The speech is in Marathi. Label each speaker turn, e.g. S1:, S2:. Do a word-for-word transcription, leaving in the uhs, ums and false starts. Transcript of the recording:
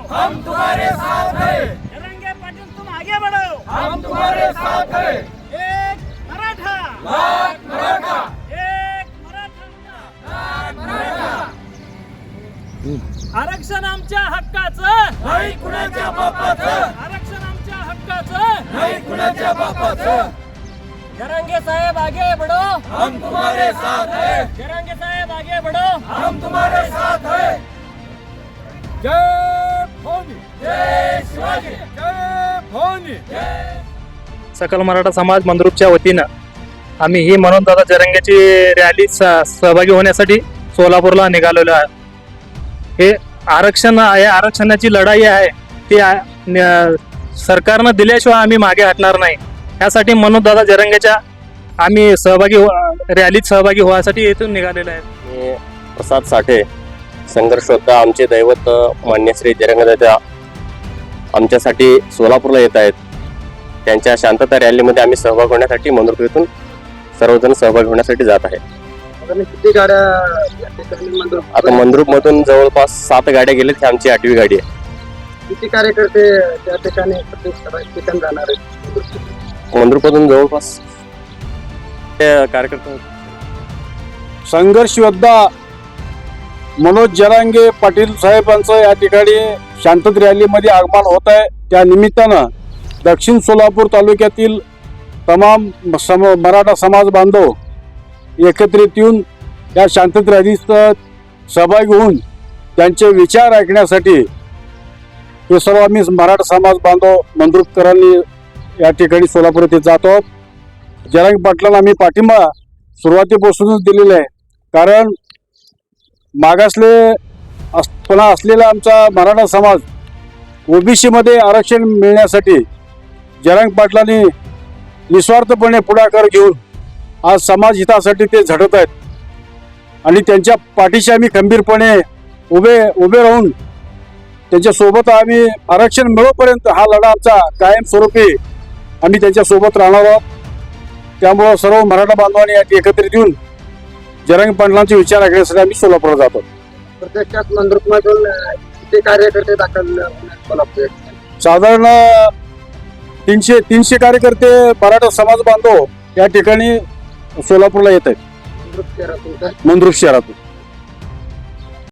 S1: हम तुम्हारे साथ हैं।
S2: जरांगे पाटील तुम आगे बढ़ो,
S1: हम तुम्हारे साथ हैं।
S2: एक मराठा,
S1: लाख मराठा,
S2: एक मराठा,
S1: लाख मराठा.
S2: आरक्षण आमच्या हक्काचं,
S1: नाही कुणाच्या बापाचं,
S2: आरक्षण आमच्या हक्काचं.
S1: नाही कुणाच्या बापाचं.
S2: जरांगे साहेब आगे बढ़ो,
S1: हम तुम्हारे साथ हैं.
S2: जरांगे साहेब आगे बढ़ो.
S1: हम तुम्हारे साथ हैं. जय भवानी, जय शिवाजी, जय भवानी, जय.
S3: सकल मराठा समाज मंद्रुपच्या वतीनं आम्ही ही म्हणून दादा जरंगेची रॅली सहभागी होण्यासाठी सोलापूरला निघालेलो आहे. हे आरक्षण आहे, आरक्षणाची लढाई आहे ती आ- न- सरकारनं दिल्याशिवाय आम्ही मागे हटणार नाही. यासाठी म्हणून दादा जरंगेच्या आम्ही सहभागी हो- रॅलीत सहभागी होण्यासाठी इथून निघालेलो आहे.
S4: मी प्रसाद साठे, संघर्ष योद्धा. आमचे दैवत मान्य श्री जरंगदादा आमच्यासाठी सोलापूरला येत आहेत. त्यांच्या शांतता रॅलीमध्ये आम्ही सहभाग होण्यासाठी मंद्रुप येथून सर्वजण सहभागी होण्यासाठी जात आहे.
S5: किती गाड्या या ठिकाणी मंदिर-
S4: आता मंद्रुप मधून जवळपास सात गाड्या गेलेत. ही आमची आठवी गाडी आहे.
S5: किती कार्यकर्ते त्या ठिकाणी प्रत्येक ठिकाणी जाणार आहेत?
S4: मंद्रुपमधून जवळपास ते कार्यकर्ते
S6: संघर्ष योद्धा मनोज जरांगे पाटील साहेबांचं या ठिकाणी शांतता रॅलीमध्ये आगमन होत आहे. त्या निमित्तानं दक्षिण सोलापूर तालुक्यातील तमाम सम मराठा समाज बांधव एकत्रित येऊन या शांतता रॅलीत सहभागी होऊन त्यांचे विचार ऐकण्यासाठी हे सर्व आम्ही मराठा समाज बांधव मंद्रुपकरांनी या ठिकाणी सोलापूर येथे जात आहोत. जरांगे पाटलांना आम्ही पाठिंबा सुरुवातीपासूनच दिलेला आहे. कारण मागासले असपणा असलेला आमचा मराठा समाज ओबीसीमध्ये आरक्षण मिळण्यासाठी जरांगे पाटलांनी निस्वार्थपणे पुढाकार घेऊन आज समाज हितासाठी ते झटत आहेत आणि त्यांच्या पाठीशी आम्ही खंबीरपणे उभे उभे राहून त्यांच्यासोबत आम्ही आरक्षण मिळोपर्यंत हा लढा आमचा कायमस्वरूपी आम्ही त्यांच्यासोबत राहणार आहोत. त्यामुळं सर्व मराठा बांधवांनी एकत्रित येऊन जरांगे पाटलांचे विचार ऐकण्यासाठी आम्ही सोलापूरला जातो.
S5: प्रत्यक्षात मंदिरमधून किती कार्यकर्ते दाखल सोलापूर
S6: साधारण तीनशे तीनशे कार्यकर्ते मराठा समाज बांधव या ठिकाणी सोलापूरला येत आहेत
S5: मंदिर शहरातून का?
S6: मंद्रुप शहरातून.